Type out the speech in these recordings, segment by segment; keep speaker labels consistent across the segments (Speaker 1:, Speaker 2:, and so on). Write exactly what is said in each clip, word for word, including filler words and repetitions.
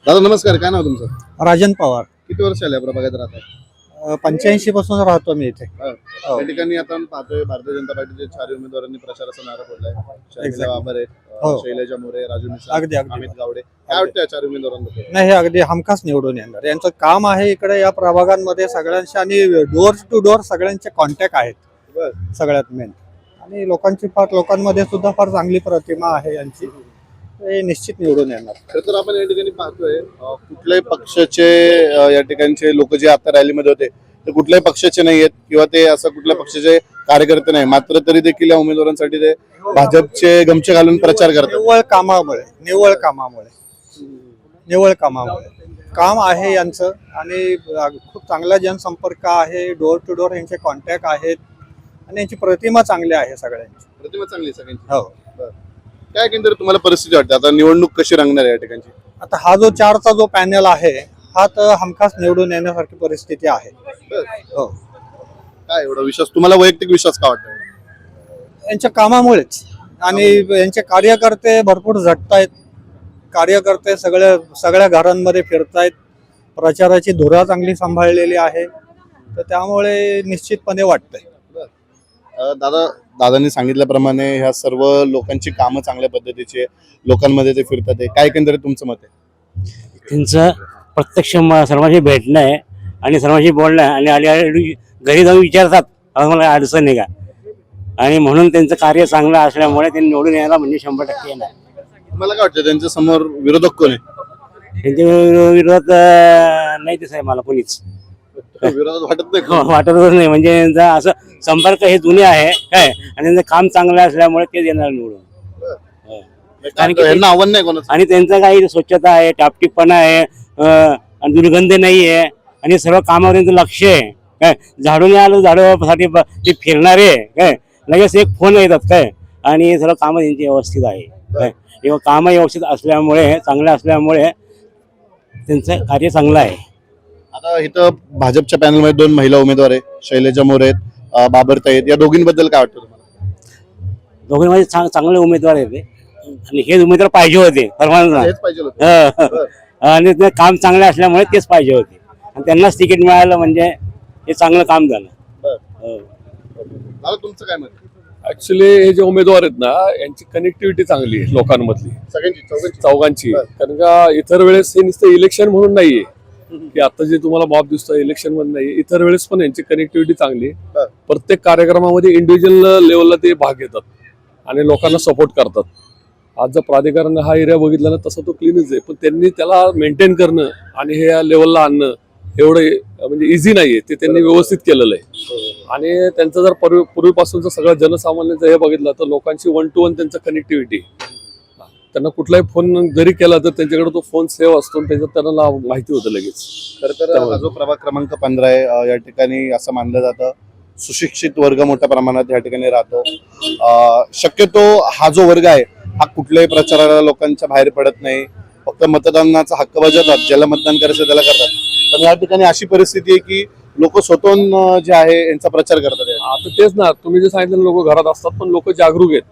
Speaker 1: दादा नमस्कार, काय नाव तुमचं?
Speaker 2: राजन पवार.
Speaker 1: किती वर्ष आले प्रभागात राहतात?
Speaker 2: पंच्याऐंशी पासून राहतो मी इथे.
Speaker 1: त्या ठिकाणी आता पाहतोय भारतीय जनता पार्टीचे चार उमेदवारांनी प्रचाराचा नारा फोडलाय. शर्मिला बाबर आहेत,
Speaker 2: हो.
Speaker 1: शैलजा मोरे, राजू मिसाळ,
Speaker 2: अगदी अगदी
Speaker 1: अमित गावडे. काय वाटतं या चार उमेदवारांबद्दल?
Speaker 2: नाही, हे अगदी हमखास निवडून येणार. यांचं काम आहे इकडे या प्रभागांमध्ये सगळ्यांशी आणि डोअर टू डोअर सगळ्यांचे कॉन्टॅक्ट आहेत
Speaker 1: बर
Speaker 2: सगळ्यात मेन. आणि लोकांची फार लोकांमध्ये सुद्धा फार चांगली प्रतिमा आहे यांची. हे निश्चित निवडून येणार.
Speaker 1: खरं तर आपण या ठिकाणी पाहतोय अं, कुठल्याही पक्षाचे अं, या ठिकाणचे लोक जे आता रॅलीमध्ये होते ते कुठल्याही पक्षाचे नाही आहेत किंवा ते असं कुठल्या पक्षाचे कार्यकर्ते नाही, मात्र तरी देखील या उमेदवारांसाठी ते भाजपचे गमछे घालून प्रचार करतात.
Speaker 2: निव्वळ कामामुळे निव्वळ कामामुळे निव्वळ कामामुळे काम आहे यांचं. आणि खूप चांगला जनसंपर्क आहे, डोअर टू डोअर यांचे कॉन्टॅक्ट आहेत आणि यांची प्रतिमा चांगली आहे सगळ्यांची.
Speaker 1: प्रतिमा चांगली आहे सगळ्यांची.
Speaker 2: हो.
Speaker 1: बरं. काय केंद्र तुम्हाला परिस्थिती वाटते आता निवडणूक कशी रंगणार आहे या ठिकाणची?
Speaker 2: आता हा जो चारचा जो पॅनल आहे हा तर हमखास निवडून येण्यासारखी परिस्थिती आहे.
Speaker 1: बरं.
Speaker 2: हो.
Speaker 1: काय एवढा विश्वास तुम्हाला, वैयक्तिक विश्वास का वाटतो?
Speaker 2: यांच्या कामामुळेच. आणि यांचे कार्यकर्ते भरपूर झटतायत. कार्यकर्ते सगळ्या सगळ्या घरांमध्ये फिरतायत. प्रचाराची धुरा चांगली सांभाळलेली आहे. तर त्यामुळे निश्चितपणे वाटतंय.
Speaker 1: अं, दादा दादांनी सांगितल्याप्रमाणे ह्या सर्व लोकांची कामं चांगल्या पद्धतीची आहे, लोकांमध्ये ते फिरतात आहे. काय एकंदरीत तुमचं मत आहे?
Speaker 3: त्यांचं प्रत्यक्ष म- सर्वांशी भेटणं आहे आणि सर्वांशी बोलणं आहे आणि आली आली घरी जाऊन विचारतात आता मला अडचण आहे का, आणि म्हणून त्यांचं कार्य चांगलं असल्यामुळे ते निवडून यायला म्हणजे शंभर टक्के येणार.
Speaker 1: तुम्हाला काय वाटतं त्यांच्या समोर विरोधक कोण आहे?
Speaker 3: त्यांच्या विरो- विरोधात अं, नाही दिसत आहे मला कोणीच.
Speaker 1: विरोधात वाटत नाही कोण?
Speaker 3: वाटतच नाही. म्हणजे त्यांचा असं संपर्क हे जुने आहे काय, आणि त्यांचं काम चांगलं असल्यामुळे तेच येणार निवडून. हो. कारण की
Speaker 1: यांना आव्हान नाही कोणाचं?
Speaker 3: आणि त्यांचं काही स्वच्छता आहे, टापटीपणा आहे, अं, आणि दुर्गंध नाही आहे, आणि सर्व कामावर त्यांचं लक्ष आहे काय. झाडून आलं झाडूसाठी ब- ते फिरणारे काय, लगेच एक फोन येतात काय, आणि सर्व कामं त्यांची व्यवस्थित आहे काय. किंवा कामं व्यवस्थित असल्यामुळे, चांगलं असल्यामुळे त्यांचं कार्य चांगलं आहे.
Speaker 1: आता इथं भाजपच्या पॅनलमध्ये दोन महिला उमेदवार आहे, शैलजा मोरे आहेत, अं, बाबरताई आहेत. या दोघींबद्दल काय वाटतं तुम्हाला?
Speaker 3: दोघांमध्ये चांग चांगले उमेदवार आहेत ते. आणि हेच उमेदवार पाहिजे होते सर्वांना.
Speaker 1: हेच पाहिजे होतं.
Speaker 3: हं. आणि ते काम चांगले असल्यामुळे तेच पाहिजे होते, आणि त्यांनाच तिकीट मिळालं म्हणजे हे चांगलं काम झालं. हो.
Speaker 1: दादा तुमचं काय मत आहे?
Speaker 4: ऍक्च्युली हे जे उमेदवार आहेत ना, यांची कनेक्टिव्हिटी चांगली आहे लोकांमधली,
Speaker 1: सगळ्यांची चौघांची?
Speaker 4: चौघांची.
Speaker 1: बरं.
Speaker 4: कारण का इतर वेळेस हे नुसतं इलेक्शन म्हणून नाहीये की आता जे तुम्हाला मॉब दिसतं इलेक्शन मध्ये नाही, इतर वेळेस पण यांची कनेक्टिव्हिटी चांगली आहे.
Speaker 1: बरं.
Speaker 4: प्रत्येक कार्यक्रमामध्ये इंडिव्हिज्युअल लेवलला ते भाग घेतात आणि लोकांना सपोर्ट करतात. आज जर प्राधिकरण हा एरिया बघितला ना, तसा तो क्लीनच आहे, पण त्यांनी त्याला मेंटेन करणं आणि हे या लेवलला आणणं एवढं म्हणजे इझी नाहीये. ते त्यांनी व्यवस्थित केलेलं आहे. आणि त्यांचं जर पूर्वी पूर्वीपासूनचं सगळं जनसामान्यांचं हे बघितलं तर लोकांची वन टू वन त्यांचं कनेक्टिव्हिटी. त्यांना कुठलाही फोन जरी केला तर त्यांच्याकडे तो फोन सेव्ह असतो आणि त्याच्यात त्यांना नाव माहिती होतं लगेच.
Speaker 1: खरं तर हा जो प्रभाग क्रमांक पंधरा आहे, अं, या ठिकाणी असं मानलं जातं सुशिक्षित वर्ग मोठ्या प्रमाणात या ठिकाणी राहतो. अं, शक्यतो हा जो वर्ग आहे हा कुठल्याही प्रचाराला लोकांच्या बाहेर पडत नाही, फक्त मतदानाचा हक्क बजावतात, ज्याला मतदान करायचं त्याला करतात. पण या ठिकाणी अशी परिस्थिती आहे की लोक स्वतःहून अं, जे आहे यांचा प्रचार करतात.
Speaker 4: आता तेच ना, तुम्ही जे सांगितलं लोक घरात असतात पण लोक जागरूक आहेत.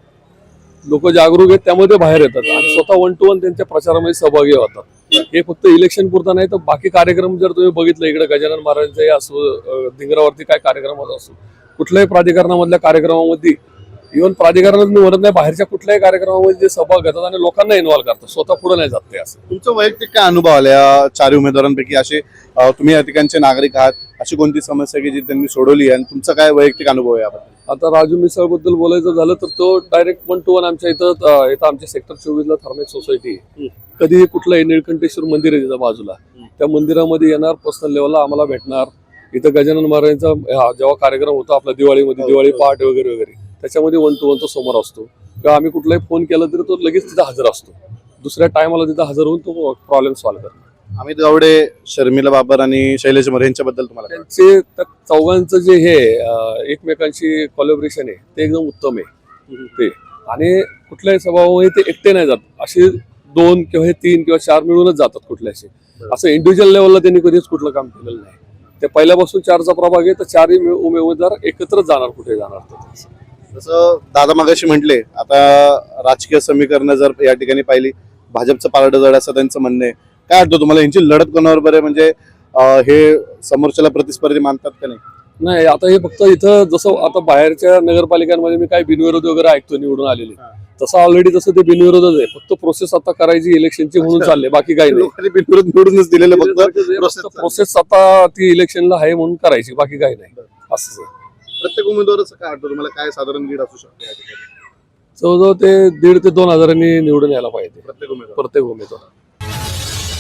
Speaker 4: लोक जागरूक आहेत त्यामध्ये बाहेर येतात आणि स्वतः वन टू वन त्यांच्या प्रचारामध्ये सहभागी होतात. हे फक्त इलेक्शन पुरता नाही तर बाकी कार्यक्रम जर तुम्ही बघितलं इकडे गजानन महाराजांचे असो, अं, धिंगरावरती काय कार्यक्रम होत असो, कुठल्याही प्राधिकरणामधल्या कार्यक्रमामध्ये, इव्हन प्राधिकरणात निवडत नाही, बाहेरच्या कुठल्याही कार्यक्रमामध्ये जे सहभाग घेतात आणि लोकांना इन्व्हॉल्व करतात, स्वतः पुढे नाही जात ते. असं
Speaker 1: तुमचं वैयक्तिक काय अनुभव आला या चार उमेदवारांपैकी? असे अं, तुम्ही या ठिकाणचे नागरिक आहात, अशी कोणती समस्या की जी त्यांनी सोडवली आणि तुमचा काय वैयक्तिक अनुभव आहे याबद्दल?
Speaker 4: आता राजू मिसळ बद्दल बोलायचं झालं तर तो डायरेक्ट वन टू वन आमच्या इथं अं, इथं आमच्या सेक्टर चोवीस ला थर्मेक सोसायटी आहे. कधी कुठलंही निळकंठेश्वर मंदिर आहे तिथं बाजूला, त्या मंदिरामध्ये येणार, पर्सनल लेवलला आम्हाला भेटणार. इथं गजानन महाराजांचा हा जेव्हा कार्यक्रम होता आपला दिवाळीमध्ये, दिवाळी पहाट वगैरे वगैरे, त्याच्यामध्ये वन टू वन तो समोर असतो. किंवा आम्ही कुठलाही फोन केला तरी तो लगेच तिथं हजर असतो. दुसऱ्या टायमाला तिथं हजर होऊन तो प्रॉब्लेम सॉल्व्ह करतो.
Speaker 1: अमित गावडे, शर्मिला बाबर आणि शैलेश मोरे यांच्याबद्दल तुम्हाला काय वाटतं?
Speaker 4: त्यांचे त्या चौघांचं जे हे अं, एकमेकांशी कोलॅबोरेशन आहे ते एकदम उत्तम आहे ते. आणि कुठल्याही सभामध्ये ते एकटे नाही जात, असे दोन किंवा हे तीन किंवा चार मिळूनच जातात कुठल्याशी. असं इंडिव्हिज्युअल लेवलला त्यांनी कधीच कुठलं काम केलेलं नाही. ते पहिल्यापासून चारचा प्रभाग आहे तर चारही उमेदवार एकत्रच जाणार, कुठे जाणार ते.
Speaker 1: जसं दादा मगाशी म्हटले, आता राजकीय समीकरण जर या ठिकाणी पाहिली, भाजपचं पारडं जड असं त्यांचं म्हणणं आहे. काय वाटतं तुम्हाला यांची लढत कोणावर बरे म्हणजे अं, हे समोरच्याला प्रतिस्पर्धी मानतात का नाही?
Speaker 4: नाही आता हे फक्त इथं जसं आता बाहेरच्या नगरपालिकांमध्ये मी काही बिनविरोध वगैरे ऐकतो निवडून आलेले, तसं ऑलरेडी तसं ते बिनविरोधच आहे. फक्त प्रोसेस आता करायची इलेक्शनची म्हणून
Speaker 1: अच्छा.
Speaker 4: चालले, बाकी काही नाही.
Speaker 1: लोकांनी बिनविरोध निवडूनच दिलेलं फक्त process
Speaker 4: प्रोसेस आता ती इलेक्शनला आहे म्हणून करायची, बाकी काही नाही. असं
Speaker 1: प्रत्येक उमेदवाराचं काय वाटतं तुम्हाला, काय साधारण लीड असू शकते या ठिकाणी?
Speaker 4: जवळजवळ ते दीड ते दोन हजारांनी निवडून यायला पाहिजे
Speaker 1: प्रत्येक उमेदवार
Speaker 4: प्रत्येक उमेदवार.